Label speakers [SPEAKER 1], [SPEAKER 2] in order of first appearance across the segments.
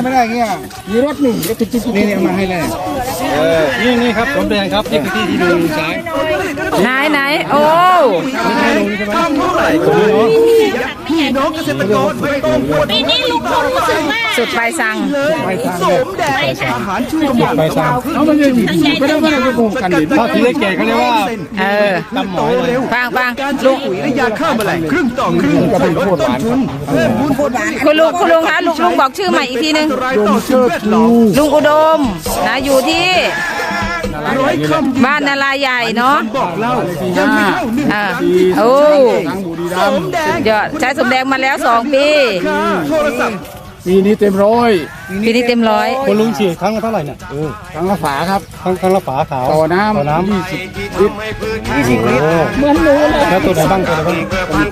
[SPEAKER 1] ไม่ได้เงี้ยมีรถหนึ่งรถจิ๊กนี่มาให้เลยนี่ครับสมแดงครับนี่คือที่ลุงใช้
[SPEAKER 2] ไหนโอ้
[SPEAKER 3] พี่น้องเกษตรกรไม่ต้องปวดปีนี้ลุงพลรู้สึกว่า
[SPEAKER 2] สุดใบสั่ง
[SPEAKER 3] สมแดงอาหารช่วยบำรุง
[SPEAKER 1] ใบสั่งเขาไม่ได้โกงกันดิถ้าที่แก่เขาเรียกว่า
[SPEAKER 3] ตำหมอยเร็ว
[SPEAKER 2] ฟัง
[SPEAKER 3] การใช้ปุ๋ยและยาฆ่าแมลงครึ่งต่อครึ่งจะเป็นต้นทุนเพิ่มมูลผล
[SPEAKER 2] คุณลุงคะลุงบอกชื่อใหม่อีกทีนึงลุงอุดมนะอยู่ที่บ้านนาลาใหญ่เนาะ
[SPEAKER 3] บอกเล่ายังไม่เท่าหนึ่ง
[SPEAKER 2] โอ้ยอดใช้สมแดงมาแล้ว2 ปี
[SPEAKER 3] โทรศัพท์
[SPEAKER 1] ปีนี้เต็มร้อย
[SPEAKER 2] คุณ
[SPEAKER 1] ลุงฉีดครั้งละเท่าไหร่เนี่ยครั้งละฝาครับครั้งละฝาขาวต่อน้ำ20 ลิตร
[SPEAKER 2] เหมือนหนูเลย
[SPEAKER 1] แล้วตัวไหนบ้างตัวนี้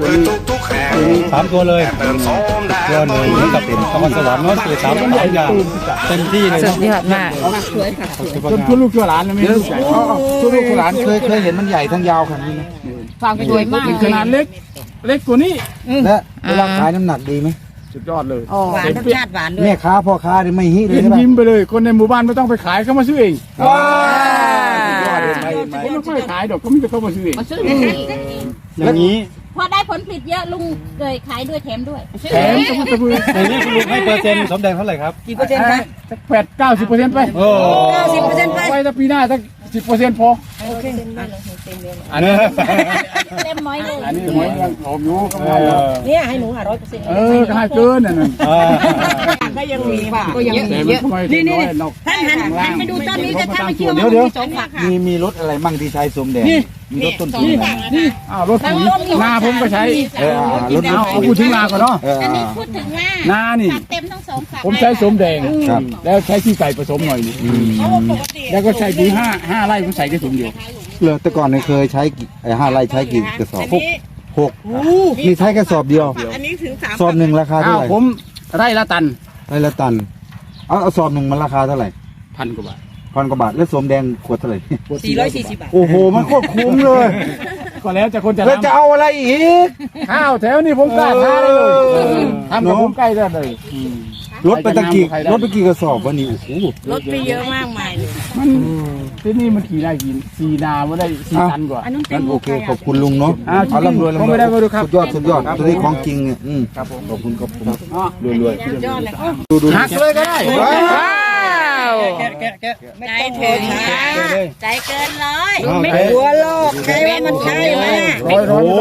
[SPEAKER 1] 3 ตัวเลยตัวหนึ่งเหมือนกับเป็นนครสวรรค์เนาะคือ3 ตัวอย่างเต็มที่เลย
[SPEAKER 2] สุดยอดมาก
[SPEAKER 1] ทุกลูกทุกหลานนะไม่รู้ทุกลูกทุกหลานเคยเห็นมันใหญ่ทั้งยาวขนาดนี้ไหม
[SPEAKER 2] ฟังสวยมาก
[SPEAKER 1] ขนาดเล็กกว่านี้และเวลาขายน้ำหนักดีไหมสุดยอดเลย
[SPEAKER 2] หวานรสชาติหวานด้วย
[SPEAKER 1] แม่ค้าพ่อค้าไม่ฮิเลยยิ้มไปเลยคนในหมู่บ้านไม่ต้องไปขายเขามาซื้อเองว้าวเขาไม่ค่อยขายดอกเขาไม่จะเข้ามาซื้อเองอย่างนี้
[SPEAKER 4] พอได้ผลผลิตเยอะลุงเลยขายด้วยแถมด้วย
[SPEAKER 1] ก็มันจะพูดในนี้คุณลุงให้เปอร์เซ็นต์สมแดงเท่าไหร่ครับ
[SPEAKER 2] กี่เปอร์เซ็นต์ครับ
[SPEAKER 1] 90%ไป
[SPEAKER 2] 90%ไป
[SPEAKER 1] ถ้าปีหน้าสัก10%พอ
[SPEAKER 2] โอเค
[SPEAKER 1] อันนี้
[SPEAKER 4] เต็มน้อยเลย
[SPEAKER 1] อันนี้หอยยังหอมอยู่ก็ไม่
[SPEAKER 2] เนี่ยให้หนู100%
[SPEAKER 1] ก็ให้เกินนั่น
[SPEAKER 2] ก็ยังมีค่ะก็ยังมีเยอะนี่ท่านหันไปดูต้นนี้จะท่านไม่เชื่อว่ามี2 ฝัก
[SPEAKER 1] มีรถอะไรมั่งที่ใช้สมแดงมีรถต้นทุนนี่รถนาผมก็ใช้รถเอาพูดถึงนาก่อนเนาะ
[SPEAKER 4] อันนี้พูดถึง
[SPEAKER 1] นานี่
[SPEAKER 4] เต็มทั้ง2 ฝัก
[SPEAKER 1] ผมใช้สมแดงแล้วใช้ขี้ไก่ผสมหน่อยนี่แล้วก็ใช้ปุ๋ย5 ไร่ผมใส่แค่ถุงเดียวเลยแต่ก่อนเคยใช้5 ไร่ใช้กี่กระสอบ6นี่ใช้แค่สอบเดียว
[SPEAKER 2] อันนี้ถึง3
[SPEAKER 1] สอบ1ราคาเท่าไหร่ผมไร่ละตันเอาสอบ1มันราคาเท่าไหร่1,000 กว่าบาทแล้วสมแดงขวดเท่าไหร่
[SPEAKER 2] 440 บาท
[SPEAKER 1] โอ้โหมันโคตรคุ้มเลยก็แล้วจะคนจะเอาอะไรอีกข้าวแถวนี้ผมกล้าท้าเลยทำกับผมใกล้ได้เลยรถไปตะกี้กระสอบวันนี้โอ้โห
[SPEAKER 2] รถไปเยอะมากมาย
[SPEAKER 1] มันที่นี่มันขี่ได้กี่นาไม่ได้4 ตันกว่า
[SPEAKER 3] งั้นโอเคขอบคุณลุงเนาะ
[SPEAKER 1] เอาร่ำรวยไม่ได้มาดูครับ
[SPEAKER 3] สุดยอดตัวนี้ของจริงเนี่ย
[SPEAKER 1] ครับผม
[SPEAKER 3] ขอบคุณรวย
[SPEAKER 1] หักเลยก็ได้
[SPEAKER 2] ว้าวใจถึงใจเกิน100ไม่กลัวโลกใครว่ามันใช่ไหม
[SPEAKER 1] ร้อย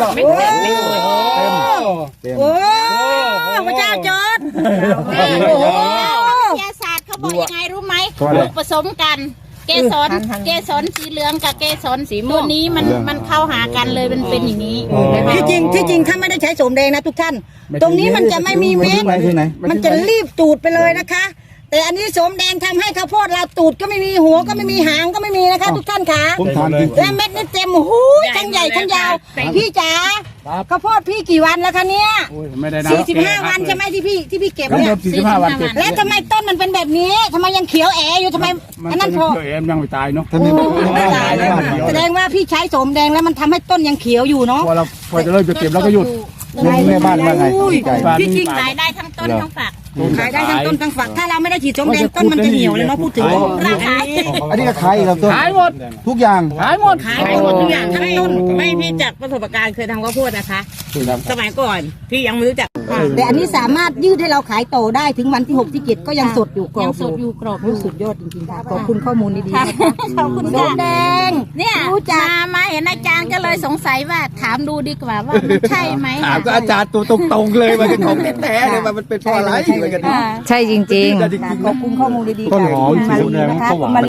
[SPEAKER 4] โอ้
[SPEAKER 2] พระเจ้าจอด
[SPEAKER 4] วิทยาศาสตร์เขาบอกยังไงรู้ไหมลูกผสมกันเกสรสีเหลืองกับเกสรสีม่วงนี้มันเข้าหากันเลยมันเป็นอย่างนี้
[SPEAKER 2] ที่จริงถ้าไม่ได้ใช้สมแดงนะทุกท่านตรงนี้มันจะไม่มีเม็ดมันจะรีบตูดไปเลยนะคะแต่อันนี้สมแดงทำให้ข้าวโพดเราตูดก็ไม่มีหัวก็ไม่มีหางก็ไม่มีนะคะทุกท่านค่ะและเม็ดนี่เต็มหูทั้งใหญ่ทั้งยาวพี่จ๋าข้าวโพดพี่กี่วันแล้วคะเนี่ย45 วันใช่ไหมที่พี่เก็บเนี่ย
[SPEAKER 1] 45 วัน
[SPEAKER 2] แล้วทำไมต้นมันเป็นแบบนี้ทำไมยังเขียวแอ๋อยู่ทำไมอันนั้นพอ
[SPEAKER 1] ยังไม่ตายเนาะ
[SPEAKER 2] ไม่ตายแสดงว่าพี่ใช้สมแดงแล้วมันทำให้ต้นยังเขียวอยู่เนาะ
[SPEAKER 1] พอจะเลิกจะเก็บแล้วก็หยุดแม่บ้านว่าไง
[SPEAKER 2] พี่จริง
[SPEAKER 4] ขายได้ทั้งต้นทั้งฝัก
[SPEAKER 2] ขายได้ทั้งต้นทั้งฝักถ้าเราไม่ได้ฉีดสมแดงต้นมันจะเหี่ยวเลยเนาะพูดถึง
[SPEAKER 4] ราคา
[SPEAKER 1] อันนี้ก็ขายครับต้น
[SPEAKER 2] ขายหมด
[SPEAKER 1] ทุกอย่าง
[SPEAKER 2] ขายหมดทุกอย่างทั้งต้นไม่พี่จากประสบการณ์เคยทำข้าวโพดนะคะสมัยก่อนพี่ยังไม่รู้จักแต่อันนี้สามารถยืดให้เราขายโตได้ถึงวันที่6 ที่ 7ก็ยังสดอยู่กรอบสุดยอดจริงๆค่ะขอบคุณข้อมูลดีๆ
[SPEAKER 4] ขอบคุณ
[SPEAKER 2] สมแดง
[SPEAKER 4] เนี่ยรู้จักมาเห็นอาจารย์ก็เลยสงสัยว่าถามดูดีกว่าว่ามันใช่ไหม
[SPEAKER 1] ถามก็อาจารย์ตัวตรงๆเลยมันเป็นของแท้ๆเลยมันเป็นเพราะอะไร
[SPEAKER 2] ใช่จริงๆขอบคุณข้อมูลดีๆ
[SPEAKER 1] ต้นหอมสีแดงก็หวาน